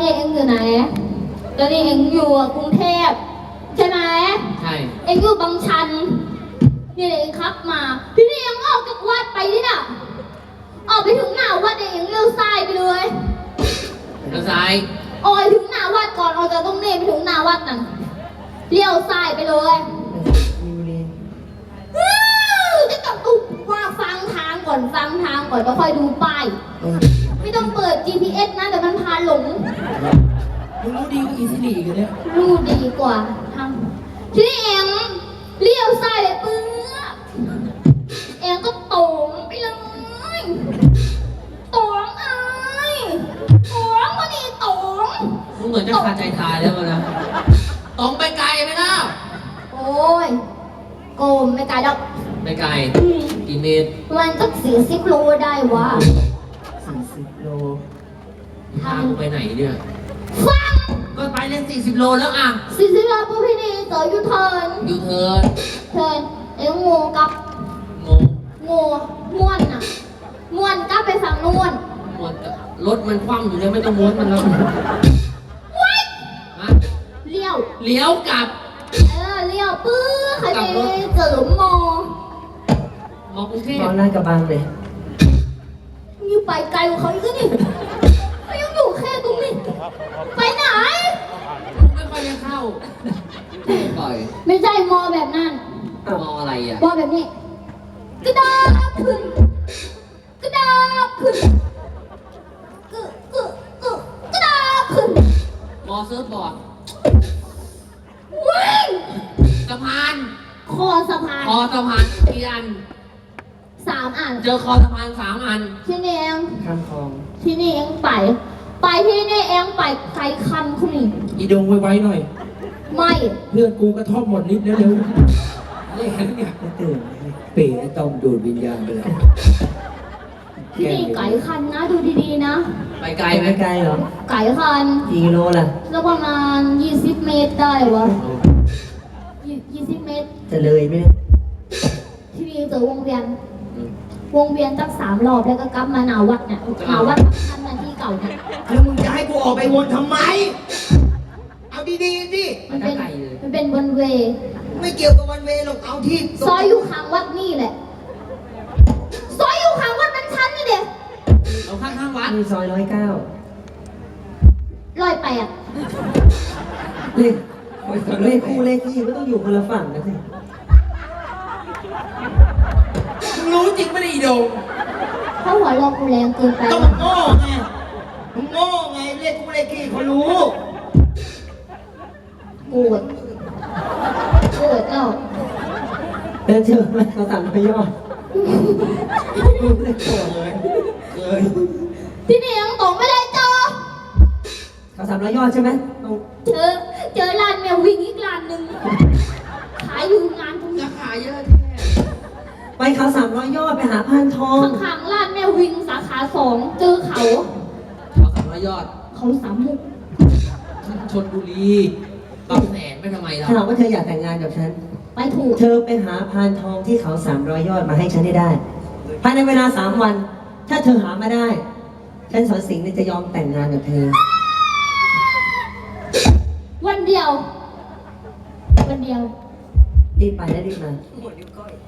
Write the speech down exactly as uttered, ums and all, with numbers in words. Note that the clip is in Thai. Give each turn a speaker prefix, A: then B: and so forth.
A: นี้เอ็งอยู่ไหนตอนนี้เอ็งอยู่กรุงเทพใช่ไหม
B: ใช่
A: เอ็งอยู่บางชันนี่เอ็งขับมาที่นี่เอ็งออกจากวัดไปนี่น่ะออกไปถึงหน้าวัดเอ็งเลี้ยวซ้ายไปเลย
B: เลี้ยวซ้าย
A: ออกถึงหน้าวัดก่อนออกจากตรงนี้ไปถึงหน้าวัดนั่นเลี้ยวซ้ายไปเลยจะต้องตุกว่าฟังทางก่อนฟังทางก่อนแล้วค่อยดูป้ายไม่ต้องเปิด จี พี เอส นะแต่มันพาหลง
C: มึงรู้ดีกว่าอีซิลีกันเนี่ย
A: รู้ดีกว่าทำทีนี้เองเลี้ยวซ้ายเลยปื้อเองก็ตรงไปเลยตรงไอ้ตรงมาดิตรง
B: มึงเหมือนจะขาดใจตายแล้วนะตรงไปไกลไหมล่ะ
A: โอ้ยโกมไม่ไกลดอก
B: ไม่ไกลกี่เมตร
A: มันก็สี่สิบโลได้วะ
C: สี่สิบโล
B: ทางไปไหนเนี่ย
A: ฟัง
B: ก็ไปเล่นสี่สิบโลแล้วอ่ะ
A: สี่สิบโลปุ๊บพี่นี่ต่อยูเทิร์น
B: ยูเทิร์น
A: เทิร์นเอ็งงูกับ
B: งู
A: งูม้วนน่ะม้วนกับไปฝั่งนู้น
B: ม้วนรถมันคว่ำอยู่เลยไม่ต้องม้วนมันแล้ว
A: ว้าย
B: เลี้ยว
A: เลี้ยว
B: กลับ
A: เออเลี้ยวปื้อใครไปเสริมมอ
B: มอกรุงเทพ
C: มอหน้ากระบังเลย
A: อยู่ไปไกลกว่าเขาอีกนี่เขายังอยู่แค่ตรงนี้ไปไหน
B: ไม่ค่อยได้เข้าปล่อย
A: ไม่ใช่มอแบบนั้น
B: มออะไรอ่ะ
A: มอแบบนี้กระดาบขึ้นกระดาบขึ้นกึกึกึกระดาบขึ้น
B: มอเซิร์ฟบอร์ด
A: วิ่ง
B: สะพาน
A: คอสะพาน
B: คอสะพานกี่อัน
A: สามอัน
B: เจอคอสะพานสามอัน
A: ที่นี่เอง
C: ข้ามคลอง
A: ที่นี่เองไปไปที่นี่เองไปไกลคันคุณนี่
C: อีดงไว้ๆหน่อย
A: ไม่
C: เพื่อนกูกระทบหมดนิดเร็วๆนี่เนี่ยตื่นเป๋ไอ้ต้อมดูดวิญญาณไปแล้ว
A: ที่นี่ไกลคันนะดูดีๆนะ
B: ไปไกลไหม
C: ไกลเหรอ
A: ไกลคัน
C: กี่กิโลล่ะ
A: แล้วประมาณยี่สิบเมตรได้วะยี่สิบเมตร
C: จะเลยไหม
A: ที่นี่เจอวงเวียนวงเวียนตั้งสามรอบแล้วก็กลับมาหนาวัดเนี่ยหนาวัดทำหน้าที่เก่าเนี่ย
C: แล้วมึงจะให้กูออกไปวนทำไมเอาดีๆสิ
A: มันเป็นมันเป็นวันเว
C: ไม่เกี่ยวกับวันเวหรอกเอาที่
A: ซอยอยู่ข้างวัดนี่แหละซอยอยู่ข้างวัดมันชั้นนี่เด็ก
B: เราข้างข้างวัด
C: มีซอยร้อยเก้า
A: ร้อยแปด
C: เลขเลขคู่เลขที่ก็ต้องอยู่คนละฝั่งนะสิมึงรู้จริงไม่ได้อีโด
A: เขาหัวเรากูแรงเกินไป
C: ต้องมึงโง่ไงมึงโง่ไงเลขคู่เลขที่เขารู้
A: โกรธโกรธเอ้า
C: เดินเจอไหมเขาสั่งไปยอดกูเลยโกรธเลยเคย
A: ที่นี่ยังตกไม่ได้เจอ
C: เขาสามร้อยยอดใช่ไหม
A: เจอเจอร้านแมววิ่งอีกร้านหนึ่งขายอยู่งานตรงนี้
B: ขายเยอะแท้
C: ไปเขาสามร้อยยอดไปหาพานทอง
A: ข้างๆร้านแมววิ่งสาขาสองเจอเขา
B: เขาสามร้อยยอด
A: เขาสามมุก
B: ชลบุรีบางแสนไปทำไมล่ะ
C: ถ้าเราว่าเธออยากแต่งงานกับฉัน
A: ไปถูก
C: เธอไปหาพานทองที่เขาสามร้อยยอดมาให้ฉันให้ได้ภายในเวลาสามวันถ้าเธอหามาได้ฉันสอนสิงห์จะยอมแต่งงานกับเธอ
A: วันเดียววันเดียว
C: รีบไปและรีบมา